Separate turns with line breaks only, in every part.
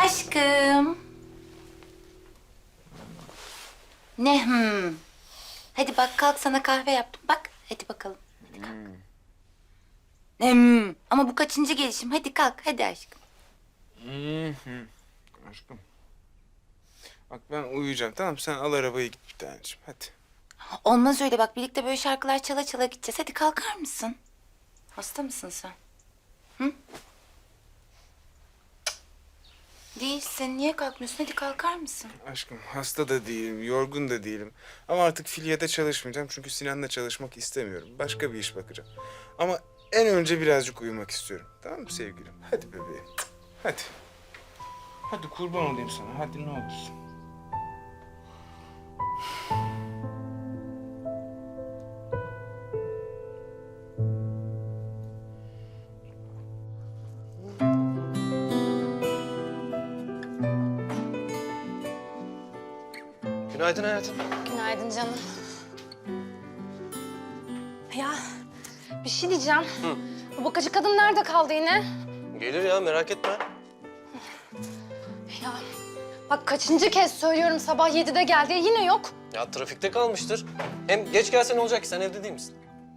Aşkım. Ne Hadi bak kalk sana kahve yaptım. Bak hadi bakalım. Hadi kalk. Ama bu kaçıncı gelişim? Hadi kalk hadi aşkım.
Aşkım. Bak ben uyuyacağım tamam sen al arabayı git bir taneciğim hadi.
Olmaz öyle bak birlikte böyle şarkılar çala çala gideceğiz. Hadi kalkar mısın? Hasta mısın sen? Hı? Değilsin. Niye kalkmıyorsun? Hadi kalkar mısın?
Aşkım hasta da değilim, yorgun da değilim. Ama artık filyede çalışmayacağım çünkü Sinan'la çalışmak istemiyorum. Başka bir iş bakacağım. Ama en önce birazcık uyumak istiyorum. Tamam mı sevgilim? Hadi bebeğim. Hadi. Hadi kurban olayım sana. Hadi ne olursun.
Günaydın hayatım.
Günaydın canım. Ya bir şey diyeceğim. Bu bakıcı kadın nerede kaldı yine?
Gelir ya merak etme.
Ya bak kaçıncı kez söylüyorum sabah 7'de gel diye yine yok.
Ya trafikte kalmıştır. Hem geç gelse ne olacak ki sen evde değil misin?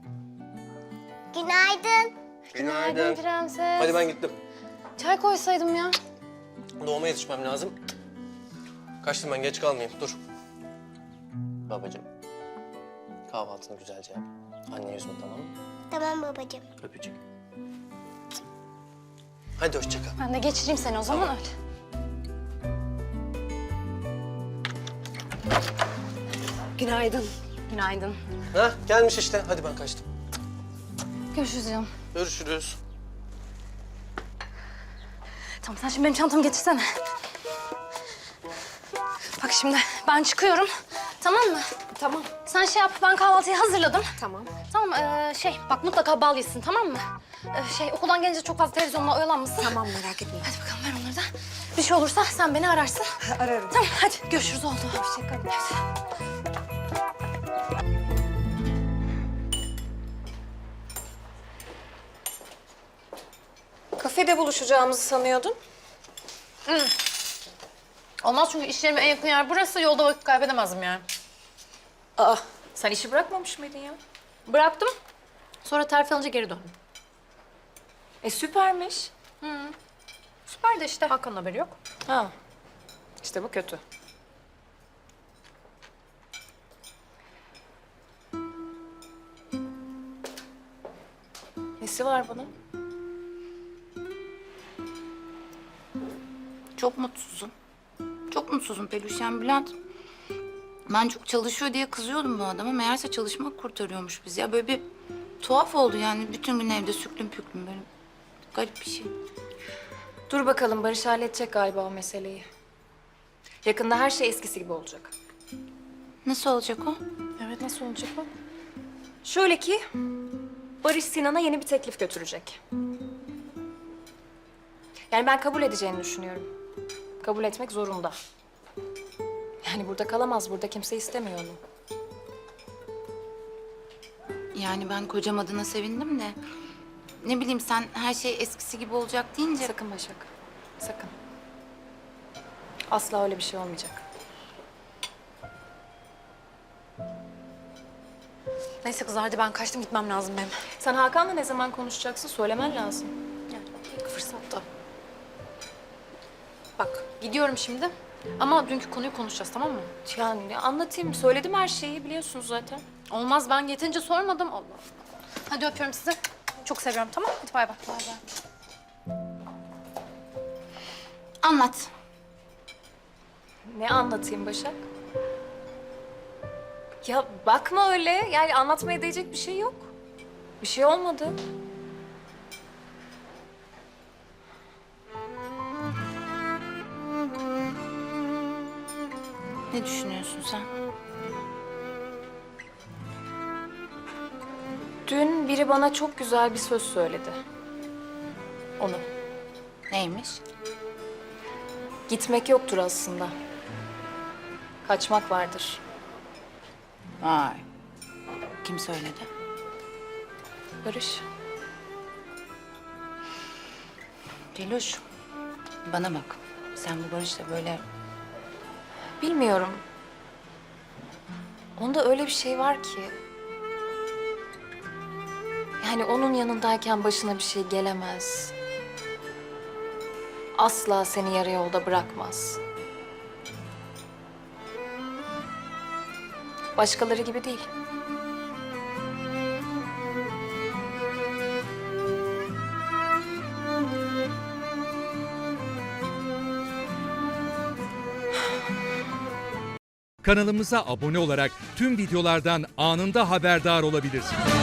Günaydın.
Günaydın prenses.
Hadi ben gittim.
Çay koysaydım ya.
Doğuma yetişmem lazım. Kaçtım ben geç kalmayayım dur. Babacığım. Kahvaltını güzelce yap. Anne yüzme tamam mı?
Tamam babacığım.
Öpücük. Hadi hoşça kal.
Ben de geçireyim seni o zaman öyle. Günaydın. Günaydın.
Ha gelmiş işte. Hadi ben kaçtım.
Görüşürüz canım.
Görüşürüz.
Tamam sen şimdi benim çantamı getirsene. Bak şimdi ben çıkıyorum. Tamam mı? Tamam. Sen şey yap ben kahvaltıyı hazırladım. Tamam. Tamam bak mutlaka bal yesin tamam mı? Okuldan gelince çok fazla televizyonla oyalanmasın.
Tamam merak etme.
Hadi bakalım ver onları da. Bir şey olursa sen beni ararsın.
Ararım.
Tamam hadi görüşürüz oldu.
Hoşçakalın. Kafede buluşacağımızı sanıyordum.
Olmaz çünkü iş yerime en yakın yer burası. Yolda vakit kaybedemezdim yani.
Aa, sen işi bırakmamış mıydın ya?
Bıraktım. Sonra terfi alınca geri döndüm.
Süpermiş.
Süper de işte Hakan'ın haberi yok.
Ha, işte bu kötü. Nesi var bunun?
Çok mutsuzum. Çok mutsuzum Peluşen Bülent. Ben çok çalışıyor diye kızıyordum bu adama. Meğerse çalışmak kurtarıyormuş bizi. Ya böyle bir tuhaf oldu yani. Bütün gün evde süklüm püklüm böyle. Garip bir şey.
Dur bakalım Barış halledecek galiba o meseleyi. Yakında her şey eskisi gibi olacak.
Nasıl olacak o?
Evet nasıl olacak o? Şöyle ki Barış Sinan'a yeni bir teklif götürecek. Yani ben kabul edeceğini düşünüyorum. Kabul etmek zorunda. Yani burada kalamaz, burada kimse istemiyor onu.
Yani ben kocam adına sevindim de... Ne bileyim sen her şey eskisi gibi olacak deyince...
Sakın Başak, sakın. Asla öyle bir şey olmayacak.
Neyse kızlar hadi ben kaçtım gitmem lazım benim.
Sen Hakan'la ne zaman konuşacaksın söylemen lazım.
Yani ilk fırsatta. Bak gidiyorum şimdi ama dünkü konuyu konuşacağız tamam mı?
Yani anlatayım, söyledim her şeyi biliyorsunuz zaten.
Olmaz ben yeterince sormadım. Allah Allah. Hadi öpüyorum sizi. Çok seviyorum tamam hadi bay bay. Bay bay.
Anlat.
Ne anlatayım Başak? Ya bakma öyle, yani anlatmaya değecek bir şey yok. Bir şey olmadı.
Ne düşünüyorsun sen?
Dün biri bana çok güzel bir söz söyledi. Onu.
Neymiş?
Gitmek yoktur aslında. Kaçmak vardır.
Vay. Kim söyledi?
Barış.
Peluş, bana bak. Sen bu Barış'la böyle...
Bilmiyorum. Onda öyle bir şey var ki. Yani onun yanındayken başına bir şey gelemez. Asla seni yarı yolda bırakmaz. Başkaları gibi değil.
Kanalımıza abone olarak tüm videolardan anında haberdar olabilirsiniz.